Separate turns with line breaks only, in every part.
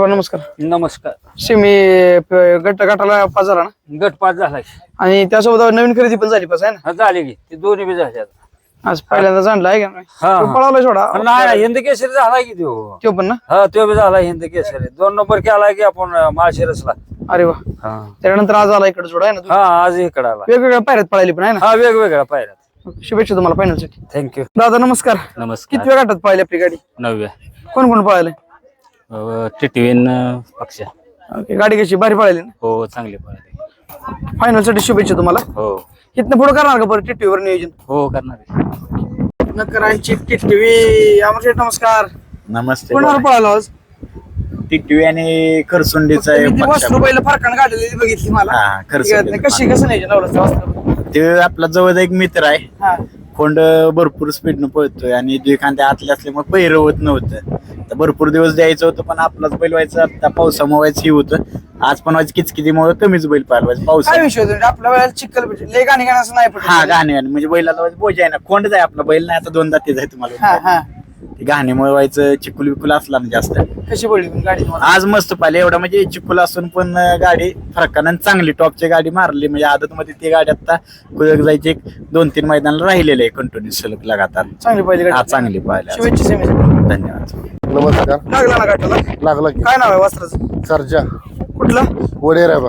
नमस्कार.
नमस्कार.
सिमी गटाला पाच झाला ना
गट पास झालाय
आणि त्यासोबत नवीन खरेदी पण झाली पास आहे ना.
झाले की ते दोन्ही बी झाले आता.
आज पहिल्यांदा जाणला आहे का नाही?
हा,
तो
हा.
पळाला सोडा
नाही हिंद केसरी झालाय की तो.
तो पण ना.
हा तो बी झाला हिंद केसरी 2 नंबर केलाय की आपण माळशिरसला.
अरे वा. त्यानंतर आज आला इकडे सोडा आहे ना.
हा आज इकडे आला.
वेगवेगळ्या पायऱ्यात पळाली पण आहे ना.
हा वेगवेगळ्या पायऱ्यात.
शुभेच्छा तुम्हाला फायनल साठी.
थँक्यू.
दादा नमस्कार.
नमस्कार.
किती वेळ गटात पळाली आपली गाडी?
9व्या.
कोण कोण पळाले?
टिटवीन पक्ष.
गाडी कशी भारी पळाली ना.
हो चांगली पळाली.
फायनल साठी शुभेच्छा तुम्हाला.
हो
इथनं पुढे करणार का बरं टिटवीवर नियोजन?
हो करणार.
नकरांची टिटवी. अमर शेठ नमस्कार.
नमस्ते.
कोणाला पळाला आज?
टिटवी आणि खरसुंडीचा
वस्त्र पहिलं फरकानं काढलेली बघितली मला.
हा, खरसुंडी.
कशी कसं नाही नवरा वस्त्र?
ते आपला जवळ एक मित्र आहे.
हा
खोंड भरपूर स्पीडनं पळतोय आणि एखाद्या आतले असल्यामुळे पहिरं होत नव्हतं. तर भरपूर दिवस द्यायचं होतं पण आपलाच बैल व्हायचं. आता पावसामुळे व्हायचं हे होतं. आज पण व्हायचं किचकिचीमुळे कमीच बैल पाळवायचं पाऊस.
काय विषय होतो आपल्या वेळेला चिखल लय गाणी गाणं नाही पडत.
हा गाणे म्हणजे बैलाला बोजा आहे ना. खोंडच आहे आपला बैल नाही आता 2 दाते आहे
हा
तुम्हाला.
हा
ते गाण्यामुळे व्हायचं चिकुल बिकुल असला ना जास्त.
कशी पडली पण गाडी तुम्हाला?
आज मस्त पाहिले एवढा म्हणजे चिकुल असून पण गाडी फरकानं चांगली टॉपची गाडी मारली. म्हणजे आदत मध्ये ती गाडी आता कुदक जायची 1-2-3 मैदानाला राहिलेले आहे कंटिन्यू सलग लगातार.
चांगली पहिली
हा
गाडी.
चांगली पाहिली.
शुभेच्छा सेमीसाठी.
धन्यवाद.
नमस्कार.
लागला ना गाठाला?
लागला की
काय नाव आहे वस्त्राचं?
सर्जा
कुठलं?
वडेर आहे बा.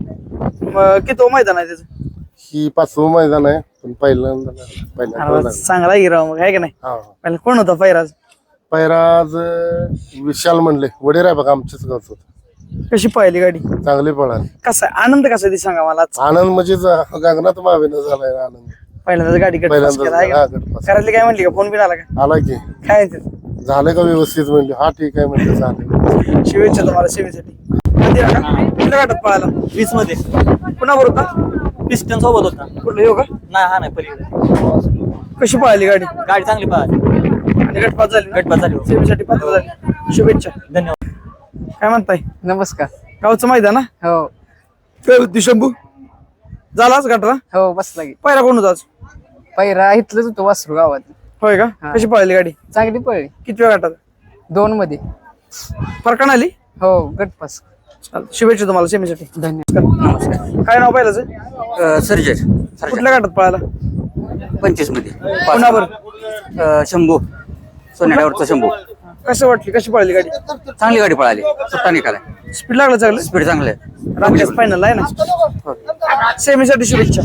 किती मैदान आहे त्याचं?
ही 5वं मैदान आहे पण पहिल्यांदा
अरे, चांगला हिराव मग आहे का नाही?
हा
पहिला कोण होता पैराज?
पैराज विशाल म्हणले वडेर आहे बघा आमच्याच गावचं होतं.
कशी पाहिली गाडी?
चांगली पळाली.
कसा आनंद कसा ती सांगा मला आज.
आनंद म्हणजे गगनात मावेनं झालाय आनंद.
पहिल्यांदाच गाडी कट
पहिल्यांदा हा, गटपास.
घरातली काय म्हणली का? फोन बिन आला का?
आला की
काय म्हणते?
झालं का व्यवस्थित म्हणले. हा ठीक आहे म्हणले झालं.
शुभेच्छा तुम्हाला सेमीसाठी. कुठल्या गाठात पळाला?
20 मध्ये
पुन्हा बरोबर का?
पिस्टन सोबत होता.
कुठलं येऊ का?
नाही हा नाही पलीकडे.
कशी पळाली गाडी?
गाडी चांगली पाहिजे.
आणि गटपास झाली ना?
गटपास झाली.
सेमीसाठी पात्र झाली. शुभेच्छा.
धन्यवाद.
काय म्हणताय?
नमस्कार.
गावचं मैदान ना?
हो
काय होती शंभू? झालाच गटरा?
हो बसला की.
पहिला कोण होता आज?
पहिरा इथलंच होतो वासरू गावात.
होय का?
हा.
कशी पळाली गाडी?
चांगली पळली.
किती वेळ गटात?
2 मध्ये.
फरकान आली?
हो गटपास.
चालतं. शुभेच्छा तुम्हाला सेमीसाठी.
धन्यवाद.
नमस्कार. काय नाव पहिलाच?
सर्जर
कुठल्या गटात पळाला?
25 मध्ये
पुन्हा
शंभू सोन्यावरचा शंभू.
कसं वाटली? कशी पळाली गाडी?
चांगली गाडी पळाली. सुट्टा निघाला.
स्पीड लागलं चांगलं?
स्पीड चांगलं आहे.
रामदास फायनल आहे ना? सेमीसाठी शुभेच्छा.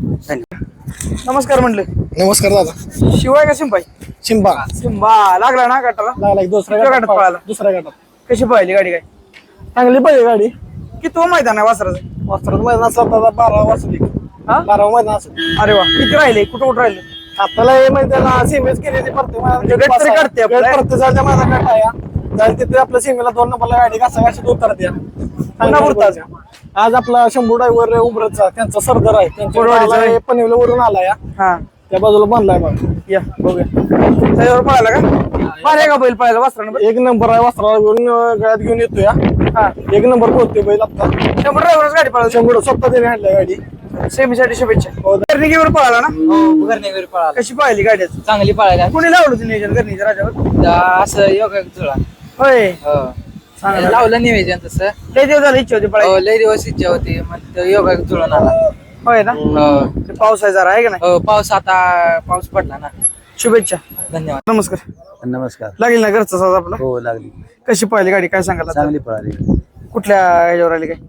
नमस्कार म्हणले.
नमस्कार दादा.
शिवाय का सिंपाई?
चिंबा
सिंबा लागला ना गटाला?
लागला
दुसऱ्या गटात पळाला.
दुसऱ्या गटात
कशी पळाली गाडी? काय
चांगली पाहिजे गाडी.
किती मैदान आहे वासराचं?
वस्त्रात मैदान असला 12 वाजली.
हा?
12 मैदान असलं.
अरे वा. किती राहिले? कुठं राहिले?
आपल्याला हे मैदान सीमेच केली ती
म्हणजे गट तरी काढते आपलं.
प्रत्येकाच्या मैदान काढाया जाईल तिथे आपल्या सीमेला 2 नंबरला गाडी घासाघाशी उतरते.
पुन्हा उरतात.
आज आपला शंभू ड्रायव्हर उमरतचा त्यांचा सरदार आहे.
कोरवाडीचा आहे.
त्यांच्या पनवेल वरून आलाय.
हा
त्या बाजूला बांधलाय बघ.
या बघूया. त्याच्यावर पळाला का? बारे का बैल पळायला वासरानं?
एक नंबर आहे. वस्त्राला घेऊन गळ्यात घेऊन येतोय.
हा
1 नंबर पोहोचते बैल आपला.
शंभर ड्रायव्हरच गाडी पळाली.
शंभू स्वतः त्याने आणलाय गाडी.
सेमीसाठी शुभेच्छा. गर्णिकीवर पळाला ना?
हो घरनेवर पळाला.
कशी पळाली गाडी?
चांगली पळायला.
कोणी लावलं होतं नियोजन गर्णीच्या राजावर?
असं योगा जुळा.
होय.
हो
चांगलं.
लावलं निवेदन तसं.
लय दिवस झाली इच्छा होती पळायची.
लय दिवस इच्छा होती मग योगा जुळून आला.
होय ना?
हो
ते पाऊस आहे जरा आहे का नाही?
हो पाऊस आता पाऊस पडला ना.
शुभेच्छा.
धन्यवाद.
नमस्कार.
नमस्कार.
लागेल ना घरचा साज आपला?
हो लागली.
कशी पळाली गाडी? काय सांगाल आता?
चांगली पळाली.
कुठल्या ह्याच्यावर आली काय?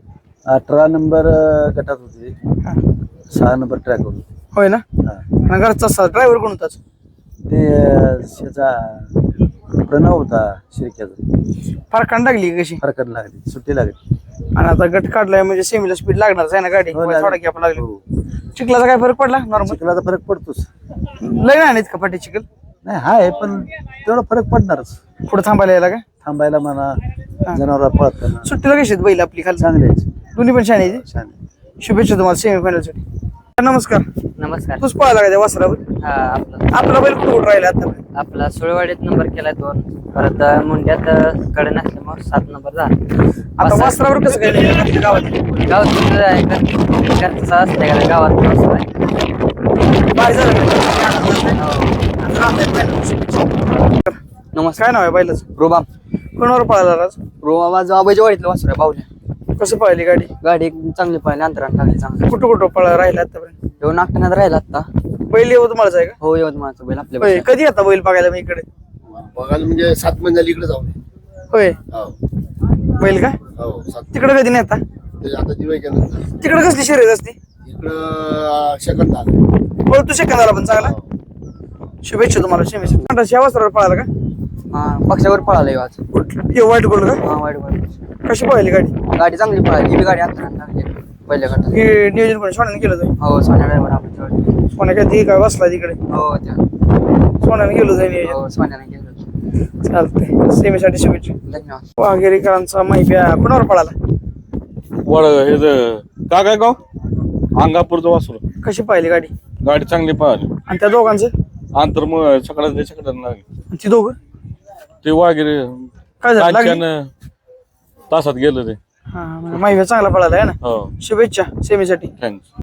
18 नंबर गटात होती.
हा.
6 नंबर ट्रॅक होती.
होय ना? आणि घरचा साज ड्रायव्हर कोण होताच?
ते त्याचा प्रणव होता शिरक्याचा.
फार कांड लागली कशी?
फरकत लागली. सुट्टी लागली.
आणि आता गट काढलाय म्हणजे सेमीला स्पीड लागणारच आहे ना गाडी?
हो, लागली.
थोडा की आपण लागली.
हो.
चिखलाचा काय फरक पडला? नॉर्मल
चिखलाचा फरक पडतोच.
लय नाही का पाठी चिखल?
नाही हाय पण तेवढा फरक पडणारच.
पुढे थांबायला यायला का?
थांबायला म्हणा जनावर पळताना
सुट्टीला कशी आहेत बैल आपली खाली?
चांगले आहेत.
दोन्ही पण छान आहे.
छान आहे.
शुभेच्छा तुम्हाला सेमीफायनल साठी. नमस्कार.
नमस्कार.
तूच पळाला का त्या वासरावर?
हा आपला
आपला बैल कुठं राहिला आता?
आपला सुळवाडीत नंबर केलाय 2. परत मुंड्यात कडे नसल्यामुळे 7 नंबर झाला.
आता वासरावर कसं काय नाही गावात?
गावात कुठं आहे घरचा असते का गावात पाऊस आहे.
बाहेर झालं
नमस्कार.
काय नाव आहे बैलाचं?
रुबाम.
कोणावर पळाला आज?
माझं आबाईच्या वाडीतलं वासरू आहे बावल्या.
कसं पळाली गाडी?
गाडी चांगली पाहिली, अंतरात टाकली चांगली.
कुठं पळा राहिला आतापर्यंत?
येऊन नागठाण्यात राहिला आता.
बैल यवतमाळचा आहे का?
हो यवतमाळचं बैल आपल्या
होय. कधी आता बैल बघायला मी इकडे?
बघायला म्हणजे 7 महिने झाली इकडे जाऊन.
होय. बैल का
हो 7
तिकडे कधी नेता?
आता दिवाळीच्यानंतर
तिकडे कसली शर्यत असते?
इकडं सेकंद आलं.
बोल तू सेकंदाला पण चांगला. शुभेच्छा तुम्हाला सेमीसाठी. ह्या वस्त्रावर पळाला का?
हा पक्षावर पळाला आज.
कुठलं व्हाईट गोल्ड का?
हा वाईट वाईट
कशी पळाली गाडी?
गाडी चांगली पळाली. ही बी गाडी अंतरात टाकली पहिल्या गटात.
हे नियोजन कोणी सोन्याने केलं होतं?
हो सोन्या ड्रायव्हर आपल्या गाडी.
सोन्या काय ती काय बसला तिकडे?
हो त्या
सोन्याने गेलो होतं नियोजन.
हो सोन्याने गेलो.
चालतंय. सेमीसाठी शुभेच्छा.
धन्यवाद.
वाघेरीकरांचा माहिती कोणावर पळाला?
वड हे काय गाव अंगापूरचं वासरू.
कशी पाहिली गाडी?
गाडी चांगली पाहिली.
आणि त्या दोघांचं?
अंतर मग सकाळचं लागली
आणि ती दोघं
ते वागिरे
काय झालं? लागली?
तासात गेलं ते.
हा माहिती चांगला पळाला आहे ना.
हो
शुभेच्छा सेमीसाठी.
थँक्स.